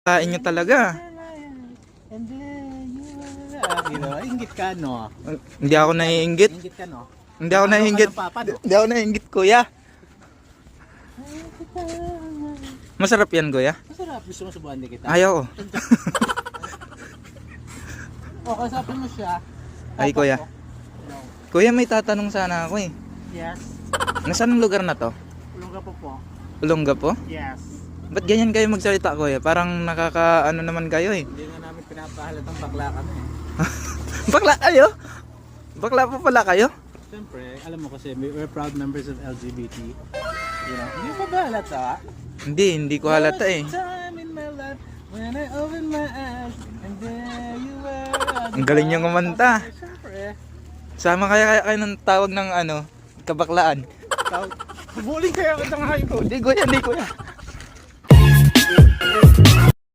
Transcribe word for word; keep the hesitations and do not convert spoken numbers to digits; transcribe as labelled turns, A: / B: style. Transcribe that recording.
A: Kain nyo talaga.
B: And then you were, you know, inggit ka, no?
A: Hindi ako naiinggit.
B: Inggit ka, no?
A: Hindi ako naiinggit.
B: Ano ka ng papa, no?
A: Hindi ako naiinggit, kuya. Masarap yan, kuya.
B: Masarap. Gusto mo subuhan din kita?
A: Ayaw ko.
B: O, kasapin mo siya.
A: Ay,
B: Papa
A: kuya.
B: ko. No.
A: Kuya, may tatanong sana ako eh.
B: Yes.
A: Nasaan ang lugar na to?
B: Ulong ka po po.
A: Olonga po?
B: Yes.
A: Ba't ganyan kayo magsalita, kuya? Parang nakaka ano naman kayo eh.
B: Hindi nga namin pinapahalatang bakla kami. eh.
A: Bakla kayo? Bakla pa pala kayo?
B: Siyempre, alam mo kasi, we're proud members of L G B T. You know, hindi pa ba halata?
A: Hindi, hindi ko halata eh.
B: Time in my life when I open my eyes and there you were.
A: Ang galing niyong kumanta.
B: Siyempre.
A: Sama kaya kaya kayo ng tawag ng ano, kabaklaan.
B: Bubuling kayo ako ng hayop.
A: Hindi kuya, hindi kuya.